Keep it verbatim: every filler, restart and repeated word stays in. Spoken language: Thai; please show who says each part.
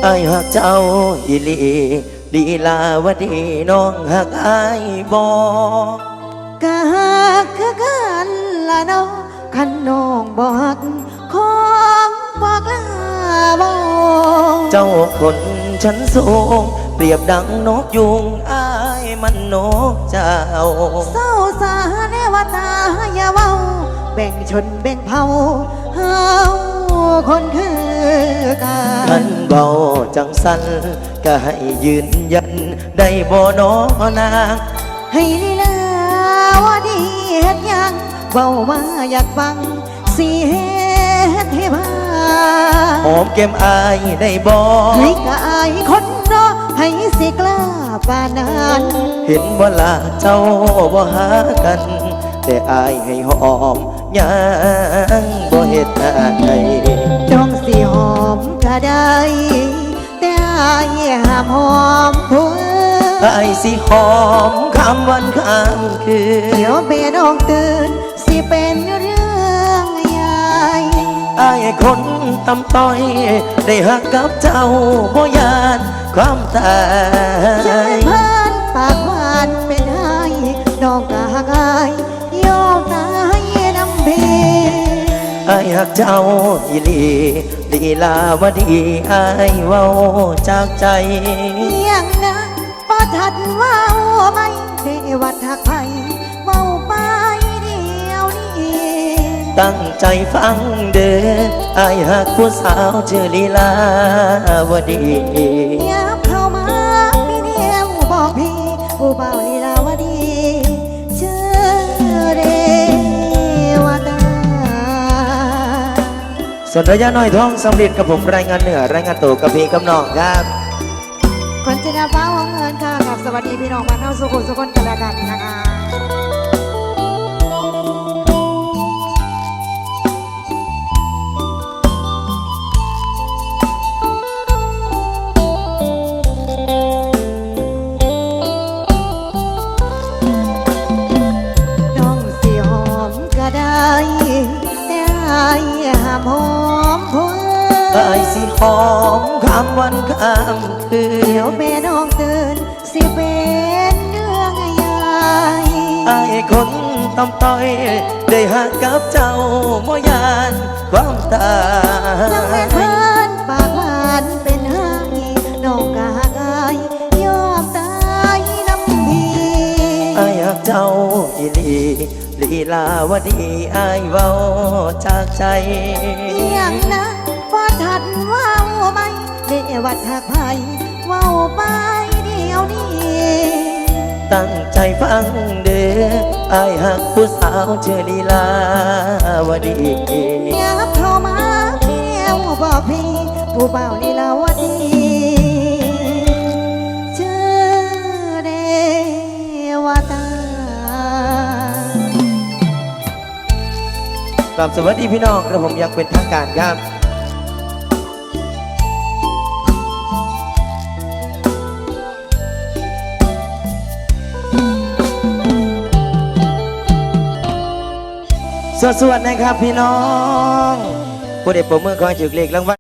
Speaker 1: อ้ายหักเจ้าอีหลีลีลาวดีน้องหักอ้ายบ่
Speaker 2: กะหักคือกันละน้องคันน้องบ่ฮักของบ่กล้าเว้า
Speaker 1: เจ้าคนชั้นสูงเปรียบดังนกยุงอ้ายมันนกเจ้า
Speaker 2: เศร้าสาเนวตาอย่าเว้าแบ่งชนแบ่งเผ่าเฮาคนคือกัน
Speaker 1: มันเบาจังสันก็ให้ยืนยันได้บ่น้อนาง
Speaker 2: ให้ลีลาวาดีเฮ็ดยังเว้ามาอยากฟังสิเฮ็ดให้พา
Speaker 1: หอมแก้มอายได้บ่
Speaker 2: ให้กะอายคนรอให้สิกล้าปานนั้น
Speaker 1: เห็นบ่ล่ะเจ้าบ่หากันแต่อายให้หอมยังบ่เฮ็ดอะไร
Speaker 2: จ้องสิหอมก็ได้แต่อายห้ามหอมผู้
Speaker 1: อายสิหอมข้ามวันข้ามคืน
Speaker 2: เดี๋ยวเบน้องตื่นสิเป็นเรื่องใหญ่
Speaker 1: อายคนตำต้อยได้หักกับเจ้าบ่ยานความตาย
Speaker 2: ใจพันปากหวานเป็นไห้น้องก็หักอายยอมตายน้ำเพ
Speaker 1: อายหักเจ้าอีหลีลีลาวดีอายเว้าจากใจ
Speaker 2: ยังนะบ่ทันเว้าไม่ได้วัดหักไผเว้าไปเดียวนี้
Speaker 1: ตั้งใจฟังเด้ออายหักผู้สาวชื่อลีลาวดี
Speaker 2: ยับเข้ามาพี่เดียวบอกพี่ผู้เบาลีลาวดีเชื่อเรวตา
Speaker 1: ส่วนระยะน้อยท้องสำเร็จกับผมรายงานเหนือรายงานตัวกับพี่กับน้องครับ
Speaker 2: คนจะนาฟ้าวงเงินค่ะกับสวัสดีพี่น้องบ้านเฮาสุขุมสุขคนกันแล้วกันนะคะน้องสิหอมก็ได้แต่อายห้ามหอมผู้
Speaker 1: อายสิหอมข้ามวันข้ามคืน
Speaker 2: เดี๋ยวแม่น้องตื่นสิเป็นเรื่องใหญ่
Speaker 1: อายคนตำต้อยได้หักกับเจ้าบ่ยานความตาย
Speaker 2: ยังแม่เพิ่นปากหวานเป็นไห้น้องก็หักอายยอมตายน้ำพี
Speaker 1: อายหักเจ้าอีหลีลีลาวดีอายเว้าจากใจ
Speaker 2: ยังนะบ่ทันเว้าไม่ได้วัดหักไผเว้าไปเดียวนี้
Speaker 1: ตั้งใจฟังเด้ออายหักผู้สาวชื่อลีลาวดี
Speaker 2: ยับเข้ามาเดียวบอกพี่ผู้เบาลีลาวดีชื่อเรวตา
Speaker 1: ครับสวัสดีพี่น้องกระผมอยากเป็นทางการครับสวัสดีนะครับพี่น้องผู้ใดปรบมือขอให้ถูกเลขรางวัล